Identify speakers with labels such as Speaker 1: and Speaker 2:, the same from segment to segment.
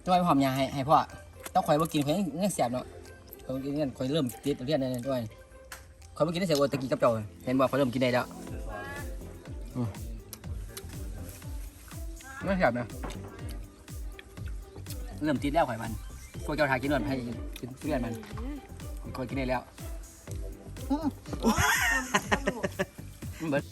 Speaker 1: จะไปหอมยาให้พ่อต้องคอยมากินคอยยังแสบเนาะคอยกินกันคอยเริ่มติดเรียนได้ด้วยคอยมากินได้เสียโอตะกี้กับเจ้าเห็นบอกคอยเริ่มกินได้แล้วไม่แสบนะเริ่มติดแล้วข่อยมันพวกเจ้าทากินนวดให้กินทุเรียนมันคอยกินได้แล้วเบิด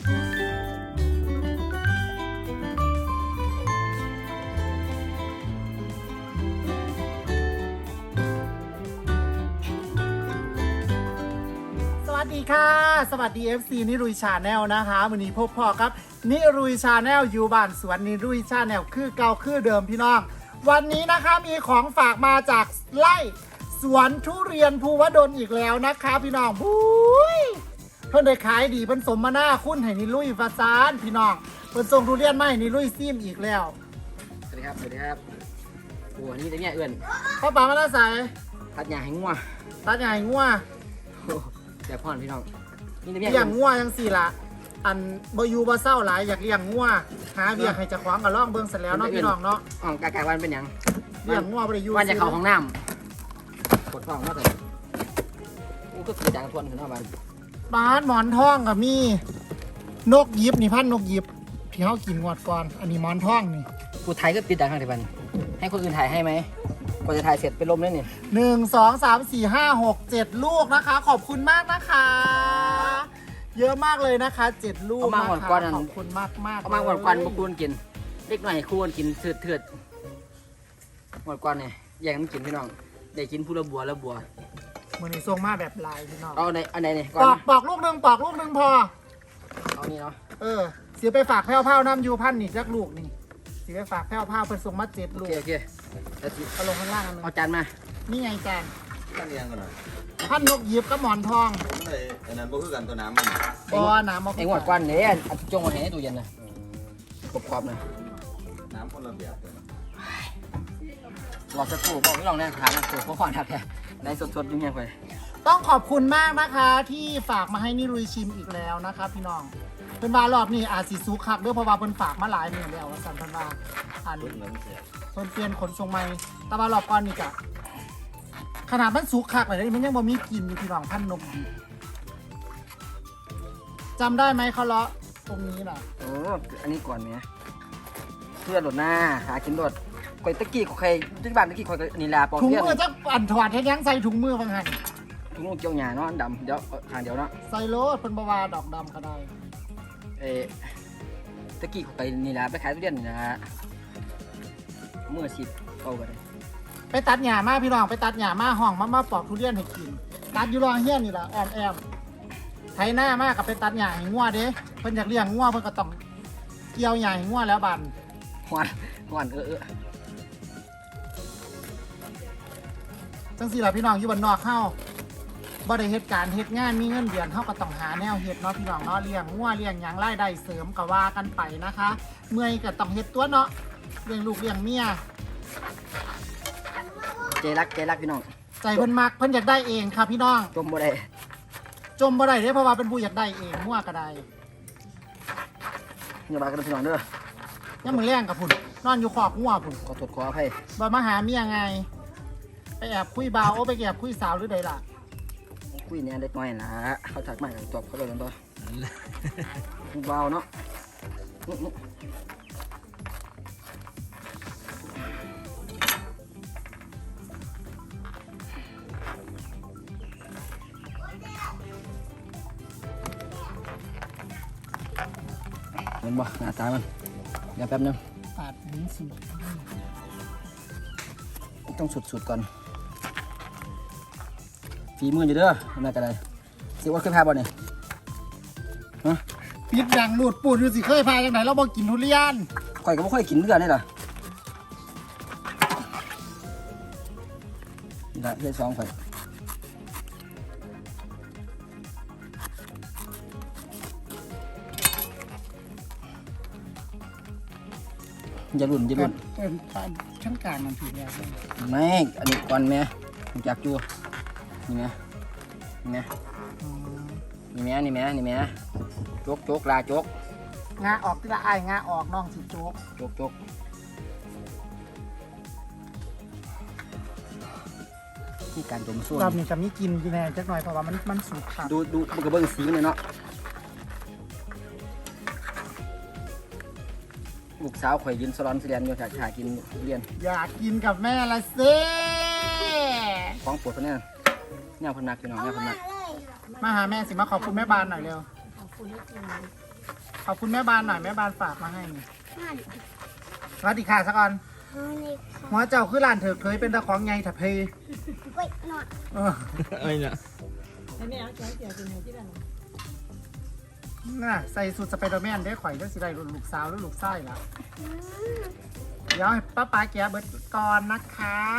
Speaker 2: สวัสดีค่ะสวัสดี FC นิรุยชาแนลนะคะวันนี้พบพ่อครับนิรุยชาแนลอยู่บ้านสวนนิรุยชาแนลคือเก่าคือเดิมพี่น้องวันนี้นะคะมีของฝากมาจากไร่สวนทุเรียนภูวดลอีกแล้วนะคะพี่น้องบุ้ยเพิ่นได้ขายดีเพิ่นสมมาหน้าคุณให้นิรุยฟาซานพี่น้องเพิ่นส่งทุเรียนมาให้นิรุยซิมอีกแล้ว
Speaker 1: สวัสดีครับสวัสดีครับโอ้นี่แต่เนี่ยเอื่อน
Speaker 2: พ่อป๋ามาแล้วใส่
Speaker 1: ตัดหญ้าให้งัว
Speaker 2: ตัดใหญ่งัว
Speaker 1: เดี๋ยวพ่อนพี่น้องนี่แต่เนี่ย
Speaker 2: เลี้ยงงัวยังสี่ละอันบอยู่บ่เศร้าหลายอยากเลี้ยงงัวหาเบียกให้เจะขวางกับล่องเบิ่งเสร็จแล้วเนาะพี่น้องเนาะ
Speaker 1: อ๋อกากวันเป็นหยัง
Speaker 2: เลี้ยงงัวบ่ได้อยู่
Speaker 1: วันจะเข้าห้องน้ำกดท้องมาเลยอู้ก็คือจางทวนขึ้นเอาบ้าน
Speaker 2: บ้านหมอนทองกับมีนกยิบนี่พันนกยิบที่เฮากินงวดก่อนอันนี้หมอนทองนี่
Speaker 1: กูถ่ายก็ติดดังข้างในบ้านให้คนอื่นถ่ายให้ไหมกว่าจะถ่ายเสร็จเป็นลมเลยเนี่ย
Speaker 2: 1 2 3 4 5 6 7ลูกนะคะ ขอบคุณมากนะคะ เยอะมากเลยนะคะ7ลูก
Speaker 1: เอามา
Speaker 2: นะ
Speaker 1: หมด
Speaker 2: คะ
Speaker 1: ก่อน
Speaker 2: ขอบคุณมากมาก
Speaker 1: เอามาหมดก่อนมาคูนกินเล็กหน่อยคูนกินเถื่อหมดก่อนเนี่ยแย่งมันกินพี่น้องได้กินผู้ละบัวละบัว
Speaker 2: มื้อนี้ส่งมาแบบลายพี่น้อง
Speaker 1: เอาในอันไหนเนี่ยก่อ
Speaker 2: ป
Speaker 1: น
Speaker 2: อกปอกลูกหนึงปอกลูกหนึงพอ
Speaker 1: เอานี่เนาะ
Speaker 2: เสียไปฝากแพ้วเผาน้ำยูพันนี่จักลูกนี่เสียไปฝากแพ้วเผาเพิ่นส่งมา7
Speaker 1: โอ
Speaker 2: ลูก
Speaker 1: เคโอเคแล้วสิ
Speaker 2: เอาลงข้างล่างอันนึง
Speaker 1: เอาจานมา
Speaker 2: นี่ไงจาน
Speaker 3: ตั้งเรียงกันหน่อย
Speaker 2: พันนกหยิบกับหมอนทอง
Speaker 3: มันเลยอันนั้นบ่คือกันตัวน้ำมัน
Speaker 2: บอน้ำมา
Speaker 1: ไอ้หมดก่อนเนี่ยเอาจงมาให้ในตู้เย็นนะกรอบๆนะ
Speaker 3: น้ำคนละแบบเลย
Speaker 1: รอสักครู่บอกไม่ลองแน่ถามนะครูเขาขอทักแค่ในสดๆยุ่งยังไป
Speaker 2: ต้องขอบคุณมากนะคะที่ฝากมาให้นิรุยชิมอีกแล้วนะคะพี่น้องเพิ่นว่ารอบนี้อาจสิสุกคักเด้อเพราะว่าเพิ่นฝากมาหลายมื้อแล้วว่าซั่นเพิ่นว่าอัน
Speaker 3: รุ่นนั้นเสีย
Speaker 2: เพิ่นเปลี่ยนขนส่งใหม่แต่ว่ารอบก่อนนี่ก็ขนาดมันสุกคักเลยมันยังบ่มีกลิ่นอยู่พี่น้องพันนกหยิบจำได้ไหมเขาเลาะตรงนี้น่ะ
Speaker 1: โอ้อันนี้ก่อนเนี่ยเพื่อหลดหน้าหากินหลดก๋วยตะกี้ของใครที่บ้านตะกี้คอยนี่ลาปอก
Speaker 2: ถุง
Speaker 1: เทียน
Speaker 2: มือจักอันถอดให้ยังใส่ถุงมือบางหัน
Speaker 1: ถุงมือเกี่ยวหยาเนาะอันดำเดี๋ยวทางเดียวเนาะ
Speaker 2: ใส่โลดเพิ่นบ่ว่าดอกดำก็ได้
Speaker 1: ตะกี้ของใครนี่ลาไปขายทุเรียนนี่นะมือสิบเอาไปเลย
Speaker 2: ไปตัดหญ้ามาพี่น้องไปตัดหญ้ามาห้องมาปอกทุเรียนให้กินตัดอยู่รองเฮียนนี่ล่ะแอมไถหน้ามากับไปตัดหญ้าให้งัวเด้เพิ่นอยากเลี้ยงงัวเพิ่นก็ต้องเกี่ยวหญ้าให้งัวแล้วบัด
Speaker 1: หวาน
Speaker 2: จังซี่ล่ะพี่น้องอยู่บ้านนอกเฮาบ่ได้เฮ็ดการเฮ็ดงานมีเงินเดือนเฮาก็ต้องหาแนวเฮ็ดเนาะพี่น้องเนาะเลี้ยงงัวเลี้ยงหยังรายได้เสริมก็ว่ากันไปนะคะ เมื่อยก็ต้องเฮ็ดตัวเนาะเลี้ยงลูกเลี้ยงเมีย
Speaker 1: ใจรักพี่น้อง
Speaker 2: ใจเพิ่นมักเพิ่นอยากได้เองค่ะพี่น้อง
Speaker 1: จมบ่ได้
Speaker 2: จมบ่ได้เด้เพราะว่าเป็นผู้อยากได้เองงัวก็ได้
Speaker 1: อย่าบากันพี่น้องเด้อ
Speaker 2: ยังมื้อแรงกับพุ่นนอนอยู่ขอบงัวพุ่น
Speaker 1: ขอโทษขออภัย
Speaker 2: บ่มาหาเมียไงไปแอบคุยบ่าวโอ้ไปแอบคุยสาวหรือใดล่ะ
Speaker 1: คุยเนี่ยเล็กน้อยนะเขาถักมาจบเขาเลยกันต่อเบาเนาะเห็นบ่หน้าตามันเดี๋ยวแป๊บนึง
Speaker 2: ปาดลิ้นสิ
Speaker 1: ต้องสุดๆก่อนฝีมืออยู่เด้อน่าจะได้สิว่าเคยพาบ่เนี่ยฮะ
Speaker 2: ปิดดังหลุดปูดอยู่สิเคยพาจังไหนเราบ่กินทุเรียน
Speaker 1: ข่อยก็ไม่ค่อยกินเลือดนี่หรอนี่ละเลือดสองข่อยอย่าลุ่น
Speaker 2: เป็นชั้นกลางมันผิดแล้ว
Speaker 1: ไม่อันนี้ก่อนแม่ผมจักจูนี่แม่นี่แม่นี่แม่โจกลาโจก
Speaker 2: งาออกที่ละอายงาออกน้องสิโจ๊ก
Speaker 1: โจกที่การดมส้วม
Speaker 2: รอบนี้จะมีกินกินแน่จักหน่อยเพราะว่ามันสุกค่ะ
Speaker 1: ดูมันก็เบิ่งสีมันเลยเนาะลูกสาวข่อยยืนสลอนเสียนอยู่ถ่ายกินทุเรียน
Speaker 2: อยากกินกับแม่ละสิ
Speaker 1: ของโปวดเพิ่นเนี่ยเนี่ยเพิ่นมักพี่น้องเนี่ยเพิ่นมัก
Speaker 2: มาหาแม่สิมาขอบคุณแม่บานหน่อยเร็วขอบคุณแม่บานหน่อยแม่บานฝากมาให้นี่สวัสดีค่ะสักก่อนหัวเจ้าคือหลานเถอะเคยเป็นตะของไงถับเพย
Speaker 4: เว้ยหน่อย
Speaker 2: เออ
Speaker 1: เนี่ย
Speaker 2: น่ะใส่สูทสไปเดอร์แมนได้ข่อยได้สิได้ลูกสาวหรือลูกไส้ล่ะเดี๋ยวให้ป้าแกะเบิดก่อนนะคะ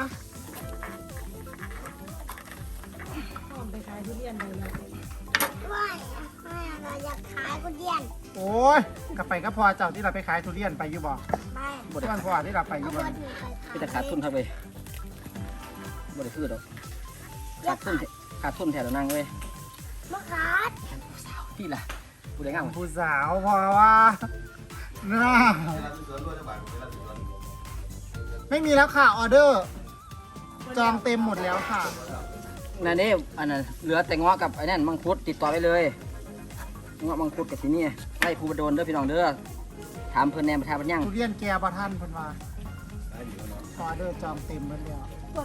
Speaker 4: ว้ายเราอยากขายกุเดียน
Speaker 2: โอ้ยกลับไปก็พอเจ้าที่เราไปขายทุเรียนไปอยู่บ่
Speaker 4: ไป
Speaker 2: ทุกวันพอที่เราไปอยู่
Speaker 4: เอา
Speaker 2: บ่
Speaker 4: บนหนึ่งไป
Speaker 1: พี่จะขาดทุนเท่าไปบ่ได้ซื้อดอกขาดทุนแถวนั่งเว้ย
Speaker 4: มะขาม
Speaker 1: พี่ล่ะกูได้งาม
Speaker 2: ผู้สาวพอว่าน่า
Speaker 3: เวลาที่สวนด้วยจังหวัดเวลาที่สวน
Speaker 2: ไม่มีแล้วค่ะออเดอร์ จองเต็มหมดแล้วค่ะ
Speaker 1: นั่นนี่อันนั้นเหลือแต่งอกับไอ้นั่นมังคุดติดต่อไปเลยงอมังคุดกับที่นี่ไล่ภูบดลเด้อพี่น้องเด้อถามเพิ่นแหน่ประทาบัญญัง
Speaker 2: ทุเรียนแกบ่ท่านเพิ่นว่า
Speaker 3: ได้อยู่เนาะ
Speaker 2: ออเดอร์จองเต็มหมดแล้ว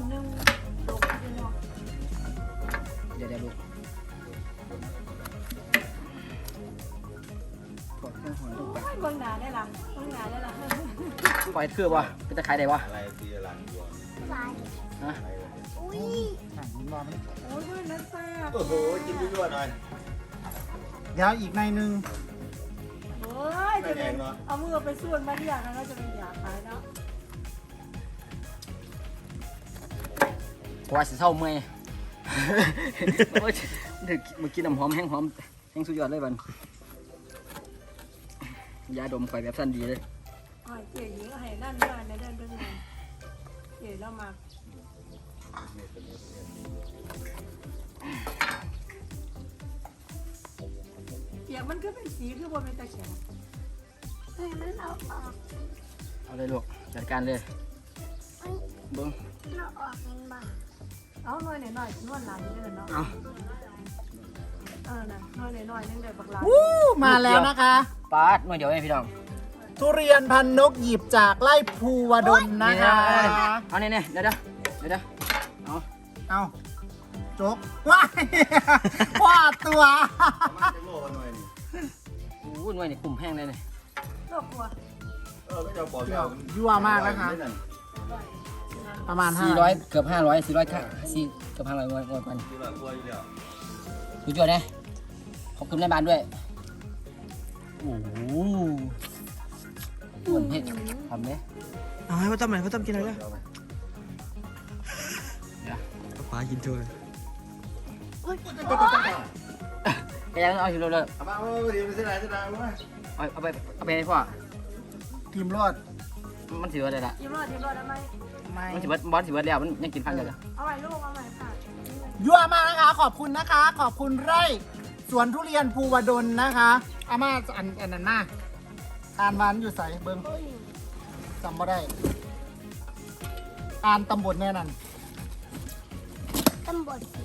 Speaker 1: เดี๋ยวลูกกดเครื่องหัวลูกไป
Speaker 5: เบิ่งหน้าได้ล่ะเบิ่งหน้าได้ล่ะ
Speaker 1: ปล่อยคือบ่เป็นตะไคร้ได้บ่
Speaker 3: อะไรที่หลังอยู่
Speaker 4: หวาน
Speaker 1: ฮะ
Speaker 3: อะไรวะ
Speaker 4: อุ้ย
Speaker 2: อ่ะยินบ่มัน
Speaker 5: โอ้ยเบิ่งนั้นซ่า
Speaker 3: โอ้โหกินยั่วๆหน่อย
Speaker 2: เดี๋ยวอีกในหนึง
Speaker 5: โอ้ยจะเป็นเอามือไปส่วนมาเรียกนะเราจะเป็นอยากขายเนาะ
Speaker 1: กว่าสิเศร้าเมื่อยโอ้ยดึกมากินน้ำหอมแห้งหอมแห้งสุดยอดเลยบันยาดมข่อยแบบสั้นดีเลย
Speaker 5: อ้อยเจ๋หญิงให้นั่นมาในเดินเดินมาเจ๋แล้วมาเปียกมันก็เป็นสีคือบนเป็นตะแข็ง
Speaker 4: เฮ้ยมันเอาออก
Speaker 1: เอาเลยลูกจัดการเลย
Speaker 4: เฮ้ย
Speaker 1: เบิ้ง
Speaker 4: เราออกเองบ่
Speaker 5: เอาหน่อยหน่อยนวดหลานนี่เดินเนาะ
Speaker 1: เอา
Speaker 5: น่ะหน่อยหน่อยนึงเดินบักหลาน
Speaker 2: วู้มาแล้วนะคะ
Speaker 1: ปาดหน่อยเดียวเองพี่น้อง
Speaker 2: ทุเรียนพันนกหยิบจากไร่ภูวดลนะคะ
Speaker 1: เอาเนี่ยเดี๋ยวเอา
Speaker 2: เอาโจ๊กว้ายว่าตัว
Speaker 3: ประมาณจะโลกันหน่อยนี่
Speaker 1: โอ้ยหน่วยนี่กลุ่มแห้งเลยเนี่ย
Speaker 5: โลกกลัว
Speaker 3: ก็จะบอก
Speaker 2: ยั่วมากนะคะ ประมาณ
Speaker 1: 400เกือบ500 400ค่ะ4เกือบ500งวยกัน
Speaker 3: ที่เรากลัวอยู่แล้ว
Speaker 1: ดูจวดนะขอบคุณแม่บ้านด้วยโอ้โหอ้วนเผ็ดทำเนี่ย
Speaker 6: เอาให้พ่อตั้มหน่อยพ่อตั้มกินอะไรนะ
Speaker 3: เอาไหม
Speaker 6: ป้ากินโชว์
Speaker 1: แกยังเอาอยู่เลย
Speaker 3: เอามาเอาดีไปเส้นไหนเส้นไหนเอามา
Speaker 1: เอาไปให้พ่อ
Speaker 2: ทีมรอด
Speaker 1: มันถือว่าอะไรล่ะ
Speaker 5: ทีมรอดได้ไหม
Speaker 2: ไม่
Speaker 1: มันถือว่าบอสถือว่าแล้วมันยังกินพันเลย
Speaker 5: เอาใหม่ลูกเอาใหม่ค่ะ
Speaker 2: ยั่วมากนะคะ ขอบคุณนะคะ ขอบคุณไร่สวนทุเรียนภูวดลนะคะอาม่าอันนั้นมาอ่านวันอยู่ใส่เบิ้งจำไม่ได้ อ่านตำบลแน่นั่น
Speaker 4: ตำบลสี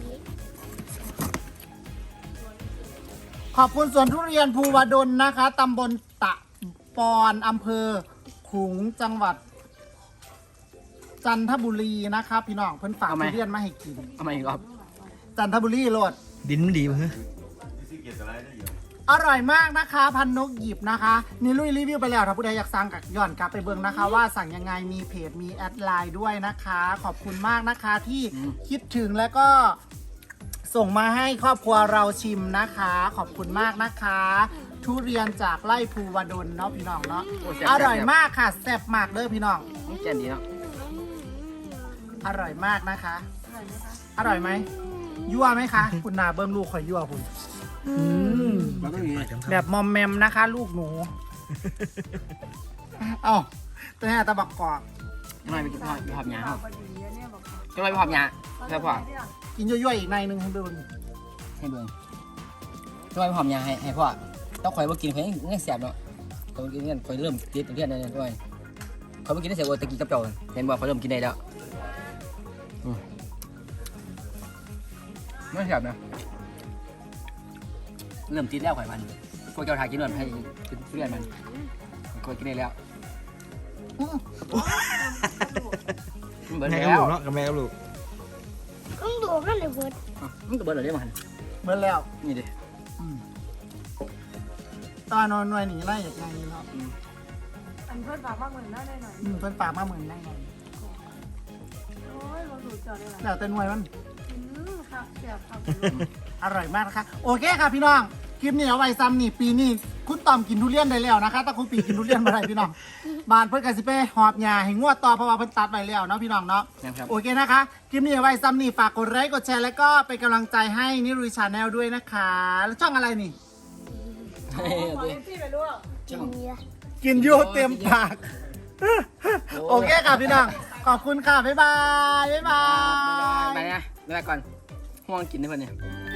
Speaker 2: ขอบคุณสวนทุเรียนภูวดลนะคะตำบลตะปอนอำเภอขลุงจังหวัด จันทบุรีนะคะพี่น้องเพิ่นฝากทุเรียนมาให้กิน
Speaker 1: เอามาอีกรอบ
Speaker 2: จันทบุรีโลด
Speaker 6: ดินมันดีมั้งฮะ
Speaker 3: ที่สิเกียรติอะไรได้อยู่
Speaker 2: อร่อยมากนะคะพันนกหยิบนะคะนี่ลุยรีวิวไปแล้วถ้าผู้ใดอยากสั่งกับย้อนกลับไปเบิ่งนะคะ ว่าสั่งยังไงมีเพจมีแอดไลน์ด้วยนะคะ ขอบคุณมากนะคะที่คิดถึงแล้วก็ส่งมาให้ครอบครัวเราชิมนะคะ ขอบคุณมากนะคะ ทุเรียนจากไร่ภูวดลเนาะพี่น้องเนาะอร่อยมากค่ะแซ่บมากเด้อพี่น้อง
Speaker 1: นี่แกนดีเนาะ
Speaker 2: อร่อยมากนะคะ อร่อยไหมยั่วไหมคะ คุณนาเบิ้งลูกคอยยั่วคุณ
Speaker 1: มันก็มี
Speaker 2: แบบมอมแมมนะคะ ลูกหนู เอ้าตัวนี้ตะบักกอก
Speaker 1: ยังไงไปกินไปหอบยา
Speaker 5: เอา
Speaker 1: เขา
Speaker 5: พอดีเนี่ยบอก
Speaker 1: ยังไงไปหอบยาใช่พ่อ
Speaker 2: กินยั่วๆอีกในหนึ่งให้ดู
Speaker 1: ให้เบิ่งยังไงไปหอบยาให้พ่อต้องคอยว่ากินคอยยังแสบเนาะคอยกินกันคอยเริ่มติดเรียนได้ด้วยคอยว่ากินได้เสียโอตะกี้กับเจ้าเห็นบ่คอยเริ่มกินได้แล้วไม่แซ่บนะเริ่มติดแล้วข่อยมันพวกเจ้าทายกินหน่อยให้กินทุเรียนมันข่อยกินได้แล้วมันเบิด
Speaker 6: แม่กับ
Speaker 1: แล้ว
Speaker 6: ลูกเนาะกับแม่กับลูก
Speaker 4: ต้องดูกันเลยเบิด
Speaker 1: มันก็เบิดเลยมัน
Speaker 2: เหมือนแล้ว
Speaker 1: นี่ดิ
Speaker 2: ตอนนอนหน่วยหนีไล่อย่างนี้เนาะ
Speaker 5: อันเพื่อนฝากมากเหมือนน่าได้หน่อย
Speaker 2: เพิ่นปากมาเหมือนได้ไง
Speaker 5: โอ้ยเราดูจอได้หลาย
Speaker 2: แล้วแต่หน่วยมัน
Speaker 5: ค่ะแซ่บครับ
Speaker 2: อร่อยมากนะคะโอเคค่ะพี่น้องคลิปนี้เอาไว้ซ้ำนี่ปีนี้คุณตอมกินทุเรียนได้แล้วนะคะแต่คุณปีกินทุเรียนมาได้พี่น้องบ้านเพิ่นก็สิไปหอบหญ้าให้งวดต่อเพราะว่าเพิ่นตัดไปแล้วเนาะพี่น้องเนาะ
Speaker 1: นะครับ
Speaker 2: โอเคนะคะคลิปนี้เอาไว้ซ้ำนี่ฝากกดไลค์กดแชร์แล้วก็เป็นกำลังใจให้นิรุยชาแนลด้วยนะคะแล้วช่องอะไรนี่
Speaker 5: ขอเอ็มพี่ไปลูก
Speaker 1: ช่อง
Speaker 2: กินยูเต็มปากโอเคค่ะพี่น้องขอบคุณค่ะบ๊ายบายบ๊ายบาย
Speaker 1: ไปนะไปก่อนห่วงกินได้ป่ะเนี่ย
Speaker 4: บ